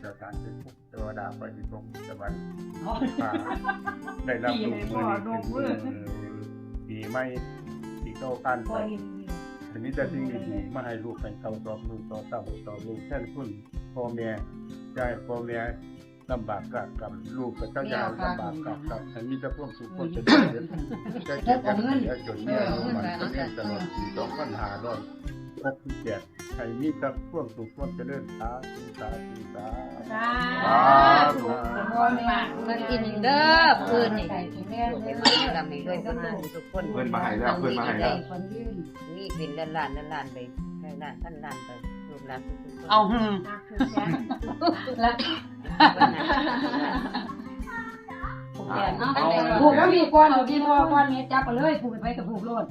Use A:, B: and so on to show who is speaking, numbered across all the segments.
A: สถานเป็นทุกเทวดาไปอยู่ตรงสวรรค์ได้รับรู้มือนี้เป็นปีไม่ปีโตกันไปทีนี้จะสิ่งดีๆมาให้ลูกให้เขาสอบลูกต่อเต้าต่อลูกแท่นคุณพ่อแม่ยายพ่อแม่ลำบากกับลูกกับเจ้ายายลำบากกับอันนี้จะพ่วงสุขคนจะได้เห็นจะเก็บกันจนเนี่ยมันจะเล่นตลอด2,567ให้มีแต่พ่วงสุขคนจะเล่นสาธุสาธุสาธุ
B: มันกินเด้อปืนนี่ลำนี้ด้วยคนทุกคน
C: เพิ่นมาให้แล้วเพิ่นมาให้แล้ว
B: นี่เป็นล้านไปล้านพันล้านไปลูกหลานทุกคน
D: เอาผูกแล้วมีก้อนเอาที่พ่อก้อนเมตรจับไปเลยผูกไปกับผูกโลด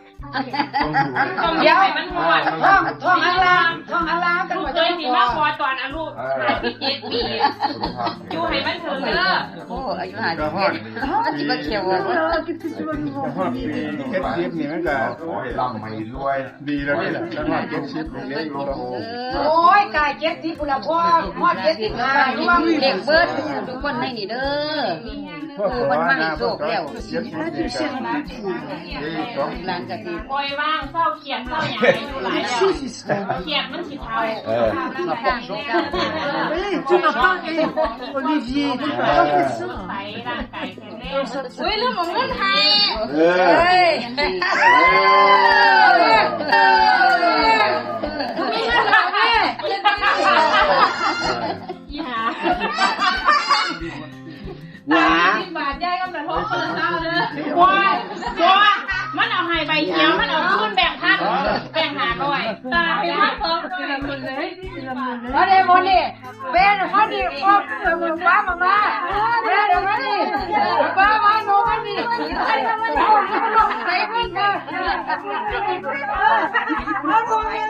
D: เดี๋ยวมันหมดท่องอัลลากันหมด
E: เคยมีมากกว่าตอนอายุ57 ปีอยู่ให้มันถึงเด้อ
B: โอ้อายุ57สิบ่เขียว
A: พ่อปีเก็บชิปนี่มันก็
C: ขอให้ร่ำให้รวย
A: ดีแล้วนี่แหละแล้วเก็บชิปตรงนี้ก็โอ้
D: โอ้ยกาย70พุ่นละพ่อ75รวม
B: เด็กเบิดทุกคนให้นี่เด้อมันมาให้โชคแล้วหลังจากที่
E: ปล่อยว่างเศร้าเขียดเศร้าหยังให้อยู่หลายแล้วเขียดมันสิเทา
D: Tu m'as pas Olivier, tu m'as pas fait ça.
E: ไปร่างกายแข็งแรงอุ้ยเรื่องของเงินไทยอีหาบาทใหญ่กำลังท้องเปิดเท้าเลยว้ายมันเอาให้ใบเขียวมันเอาขึ้นแบ่งพันแบ่ง500ตายมันเพิ่มเลย
D: แล้วเดี๋ยววันนี้เป็นเขาดีพ่อเมืองป้ามาเดี๋ยววันนี้ป้ามาโน่วันนี้ใครทำมันเอาลงไปเพื่อนกันแล้วพวกนี้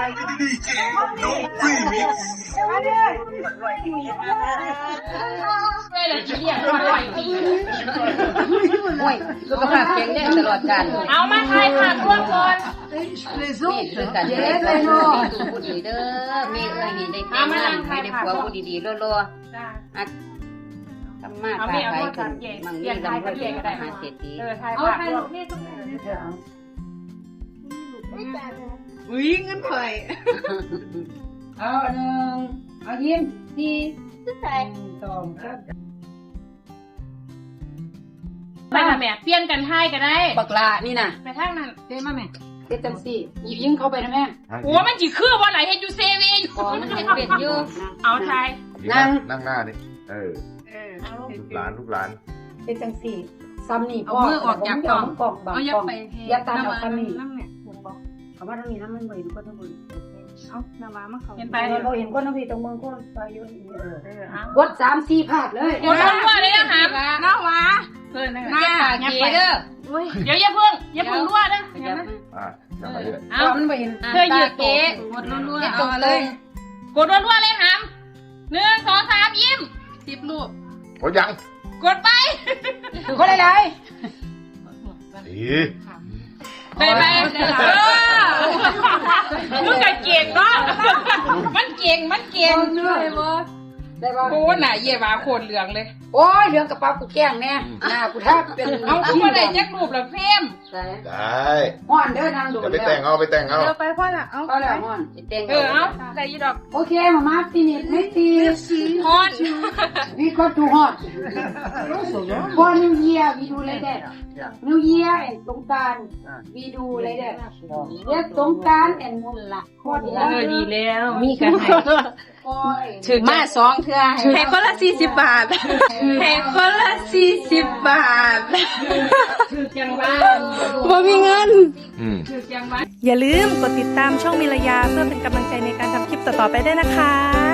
B: โอ้ยสุขภาพแข็งแรงตลอดกาล
E: เอามาทายค่ะร่วมก่อน
B: นี่คือการเลี้ยงดูผู้ดีเด้อแม่เอ้ยนี่ได้แต่งงานให้ได้ผัวผู้ดีๆรอๆอัดทำมาค้าขายกันมั่งมีร่ำรวยเป็นมหาเศรษฐี
E: ทายค่ะร่วมนี่ต้อง
D: อุ้ยเงินไฟเอา1เอายิ้ม4 2
E: ไปค่ะแม่เปลี่ยนกันทายก็ได้
D: บักลานี่น่ะ
E: ไปทางนั้น
D: เด้มาแม่เฮ็ดจังซี่ยิงเข้าไปนะแม่
E: โอ้มันสิคือว่าไหลเฮ็ดอยู่เซเว่น
B: ของมันเป็นอยู่
E: เอาทาย
C: นั่งหน้าดิลูกหลาน
D: เฮ็ดจังซี่ซ้ำนี่พ่อมือออกจากกล่องเอาอย่าไปอย่าตัดออกซ้ำนี่เอามาตรงนี้นะมันบ่เห็นคนทั้งหมดเอาน้ำมาเขาเห็นไปเราเห็นคนทั้งพี่ตรงเมืองคนไปอยู่กด3-4ภาพเลย
E: กดรัวเลยนะคะน้าวะ
B: หน้าเก๋เด้อ
E: เดี๋ยวอย่าเพิ่งรัวเด้อ
C: จะมาเรื่อย
E: เอา
D: มันบ่เห็น
E: เธอยืดเก๋
B: กดรัวๆเอาเลย
E: กดรัวเลยหาม1 2 3ยิ้ม10รูป
C: โอ้ยัง
E: กดไป
D: คนหลาย
E: ไปมึงก็เก่งเนาะมันเก่ง
D: ได้บ่
E: โอ้หน่าเย่บาโคตรเหลืองเลย
D: โอ้ยเรื่องกระเป๋ากูแกล้งแน่หน้ากูทับเป็น
E: เอากูมาได้จักรูปละเฟม
C: ได้
D: ฮ้อนเด้อนางโดด
C: จะไปแต่งเอาไปแต่งเอา
E: เดี๋ยวไปพ่อละเอา
D: ก็แล้วฮ้อน
B: แต่ง
E: เอาได้ยี่ดอก
D: โอเคมาตีนิดไม่ตี
E: ฮอน
D: we got to hot for new year we do like that new year and สงกรานต์ we do like that yes สงกรานต์ and ฮอด
E: ดีแล้วมีกันให้
D: ถึงมา2เทื่อให้คนละ40 บาทให้คนละ40 บาท
E: ถือจังบ้าน
D: บ่มีเงิน
E: ถือจังบ้าน
F: อย่าลืมกดติดตามช่องมิรยาเพื่อเป็นกำลังใจในการทำคลิปต่อๆไปด้วยนะคะ